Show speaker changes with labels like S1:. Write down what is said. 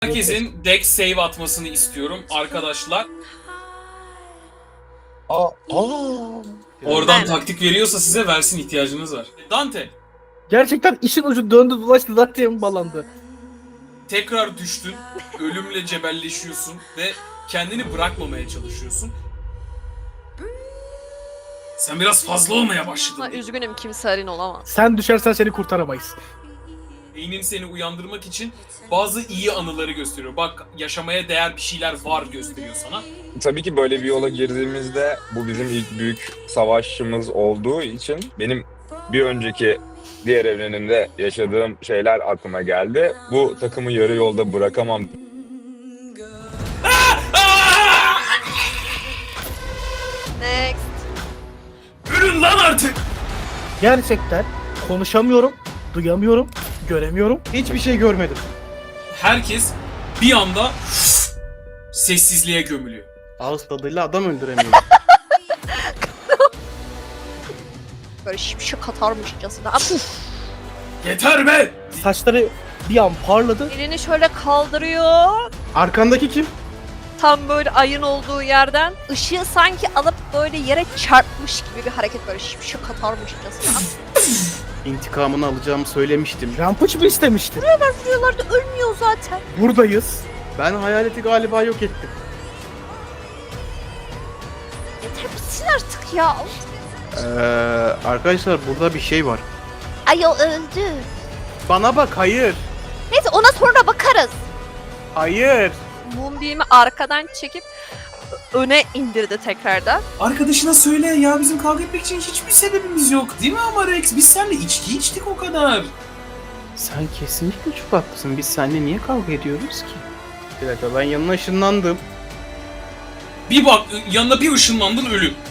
S1: Herkesin deck save atmasını istiyorum arkadaşlar. Oradan taktik veriyorsa size versin, ihtiyacınız var. Dante,
S2: Gerçekten işin ucu döndü dolaştı zaten balandı.
S1: tekrar düştün, ölümle cebelleşiyorsun ve kendini bırakmamaya çalışıyorsun. Sen biraz fazla olmaya başladın.
S3: Üzgünüm, kimsenin olamaz.
S2: Sen düşersen seni kurtaramayız.
S1: Beynin seni uyandırmak için bazı iyi anıları gösteriyor. Bak, yaşamaya değer bir şeyler var gösteriyor sana.
S4: Tabii ki böyle bir yola girdiğimizde bu bizim ilk büyük savaşımız olduğu için benim bir önceki diğer evrenimde yaşadığım şeyler aklıma geldi. Bu takımı yarı yolda bırakamam.
S3: Next.
S1: Ölün lan artık!
S2: Gerçekten konuşamıyorum, duyamıyorum, göremiyorum. Hiçbir şey görmedim.
S1: Herkes bir anda sessizliğe gömülüyor.
S2: Ağız tadıyla adam öldüremiyorum.
S3: Böyle şimşek atarmışçasına.
S1: Yeter be!
S2: Saçları bir an parladı.
S3: Elini şöyle kaldırıyor.
S2: Arkandaki kim?
S3: Tam böyle ayın olduğu yerden ışığı sanki alıp böyle yere çarpmış gibi bir hareket, böyle şimşek atarmışçasına.
S5: İntikamını alacağımı söylemiştim.
S2: Rampage mı istemişti?
S3: Vuruyorlardı, ölmüyor zaten.
S2: Buradayız.
S5: Ben hayaleti galiba yok ettim.
S3: Yeter bitsin artık ya.
S5: Arkadaşlar burada bir şey var.
S3: Ay o öldü.
S5: Bana bak, hayır.
S3: Neyse, ona sonra bakarız.
S5: Hayır.
S3: Moonbeam'i arkadan çekip öne indirdi tekrardan.
S1: Arkadaşına söyle ya, bizim kavga etmek için hiçbir sebebimiz yok. Değil mi ama Rex? Biz seninle içki içtik o kadar.
S5: Sen kesinlikle çok haklısın. Biz seninle niye kavga ediyoruz ki? Bir dakika, ben yanına ışınlandım.
S1: Bir bak, yanına bir ışınlandın, ölüm.